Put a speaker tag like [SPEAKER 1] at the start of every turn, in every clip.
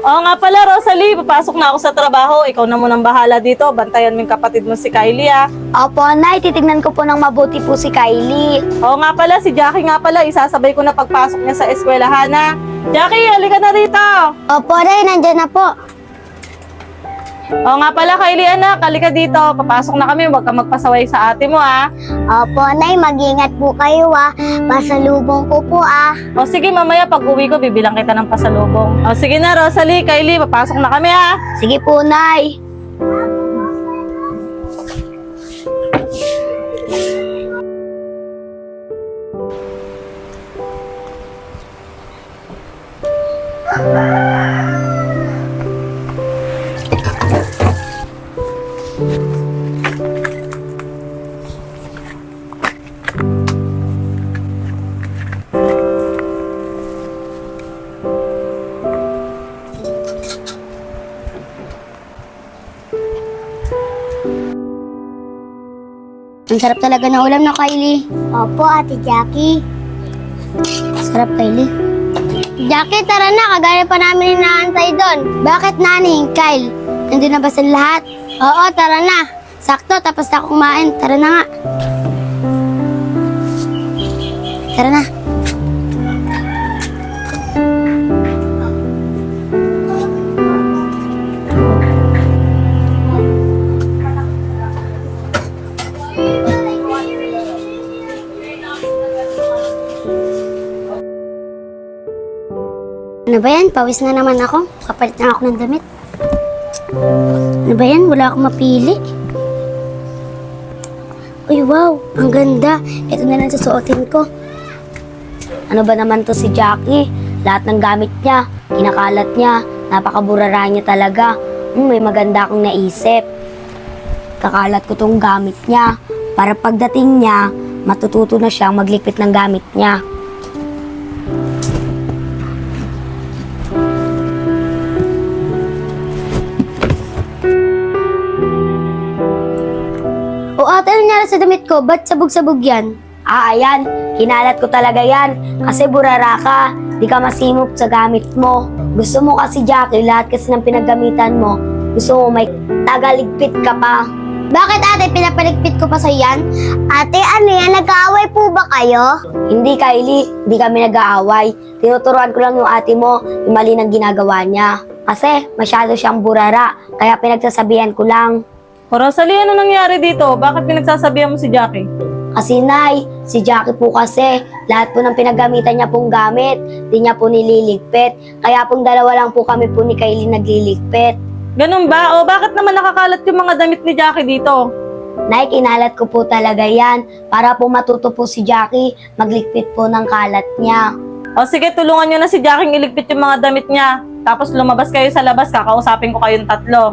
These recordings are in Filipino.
[SPEAKER 1] Oo nga pala, Rosalie, papasok na ako sa trabaho. Ikaw na munang bahala dito. Bantayan mo yung kapatid mo si Kylie, ah.
[SPEAKER 2] Opo, Nay. Titignan ko po ng mabuti po si Kylie.
[SPEAKER 1] Oo nga pala, si Jackie nga pala. Isasabay ko na pagpasok niya sa eskwelahan, ha. Jackie, halika na rito.
[SPEAKER 2] Opo, Nay. Nandyan na po.
[SPEAKER 1] Oo nga pala, Kylie, anak. Halika dito. Papasok na kami. Huwag ka magpasaway sa ate mo, ha.
[SPEAKER 2] Opo, Nay. Mag-ingat po kayo, Pasalubong ko po,
[SPEAKER 1] O sige, mamaya pag uwi ko, bibilang kita ng pasalubong. O sige na, Rosalie, Kylie, papasok na kami, ha.
[SPEAKER 2] Sige po, Nay. Ang sarap talaga ng ulam na Kylie. Opo, Ate Jackie. Sarap, Kylie. Jackie, tara na. Kagaya pa namin inaantay doon. Bakit, Nani? Kyle, nandun na ba sa lahat? Oo, tara na. Sakto, tapos na ako kumain. Tara na nga. Tara na. Ano ba yan? Pawis na naman ako. Kapalit na ako ng damit. Ano ba yan? Wala akong mapili. Uy, wow! Ang ganda. Ito na lang susuotin ko. Ano ba naman to si Jackie? Lahat ng gamit niya, kinakalat niya, napakaburara niya talaga. May maganda akong naisip. Kakalat ko tong gamit niya para pagdating niya, matututo na siyang maglikpit ng gamit niya. O ate, ano nangyari sa damit ko? Ba't sabog-sabog yan? Ayan. Kinalat ko talaga yan. Kasi burara ka. Di ka masimop sa gamit mo. Gusto mo kasi, Jackie, lahat kasi ng pinaggamitan mo. Gusto mo may tagaligpit ka pa. Bakit ate, pinapaligpit ko pa sa yan? Ate, ano yan? Nag-aaway po ba kayo? Hindi, Kylie. Hindi kami nag-aaway. Tinuturuan ko lang yung ate mo yung mali ng ginagawa niya. Kasi masyado siyang burara. Kaya pinagsasabihan ko lang.
[SPEAKER 1] O Rosalie, ano nangyari dito? Bakit pinagsasabihan mo si Jackie?
[SPEAKER 2] Kasi Nay, si Jackie po kasi, lahat po ng pinagamitan niya pong gamit, di niya po nililigpit. Kaya pong dalawa lang po kami po ni Kylie nagliligpit.
[SPEAKER 1] Ganun ba? O bakit naman nakakalat yung mga damit ni Jackie dito?
[SPEAKER 2] Nay, kinalat ko po talaga yan para po matuto po si Jackie magligpit po ng kalat niya.
[SPEAKER 1] O sige, tulungan nyo na si Jackie iligpit yung mga damit niya. Tapos lumabas kayo sa labas, kakausapin ko kayong tatlo.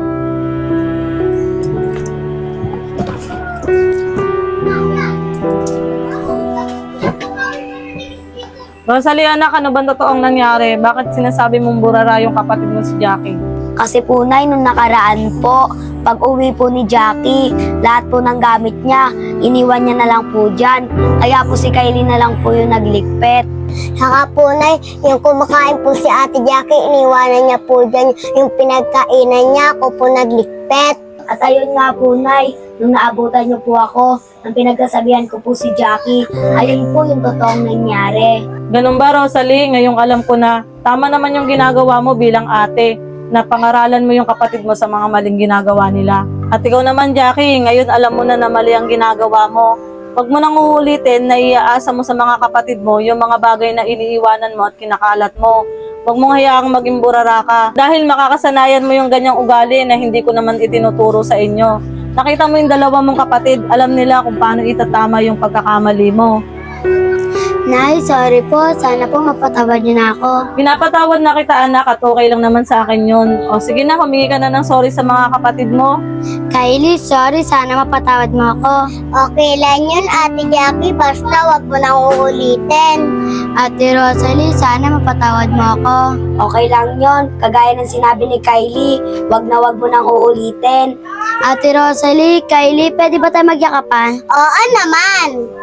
[SPEAKER 1] Rosalie, anak, ano ba totoong nangyari? Bakit sinasabi mong burara yung kapatid mo si Jackie?
[SPEAKER 2] Kasi po, Nay, nung nakaraan po, pag uwi po ni Jackie, lahat po ng gamit niya, iniwan niya na lang po dyan. Kaya po si Kylie na lang po yung nagligpit. Saka po, Nay, yung kumakain po si Ate Jackie, iniwanan niya po dyan. Yung pinagkainan niya, ako po nagligpit. At ayun nga po, Nay, nung naabutan niyo po ako, nang pinagsasabihan ko po si Jackie, ayun po yung totoong nangyari.
[SPEAKER 1] Ganun ba, Rosalie? Ngayong alam ko na tama naman yung ginagawa mo bilang ate, na pangaralan mo yung kapatid mo sa mga maling ginagawa nila. At ikaw naman, Jackie, ngayon alam mo na mali ang ginagawa mo. Huwag mo nang uulitin na iaasa mo sa mga kapatid mo yung mga bagay na iniiwanan mo at kinakalat mo. Huwag mong hayaang maging burara ka dahil makakasanayan mo yung ganyang ugali na hindi ko naman itinuturo sa inyo. Nakita mo yung dalawa mong kapatid, alam nila kung paano itatama yung pagkakamali mo.
[SPEAKER 2] Nay, sorry po. Sana po mapatawad niyo na ako.
[SPEAKER 1] Pinapatawad na kita, anak, at okay lang naman sa akin yun. O sige na, humingi ka na ng sorry sa mga kapatid mo.
[SPEAKER 2] Kylie, sorry. Sana mapatawad mo ako. Okay lang yun, Ate Jackie. Basta wag mo nang uulitin. Ate Rosalie, sana mapatawad mo ako. Okay lang yun. Kagaya ng sinabi ni Kylie, wag mo nang uulitin. Ate Rosalie, Kylie, pwede ba tayo magyakapan? Oo naman.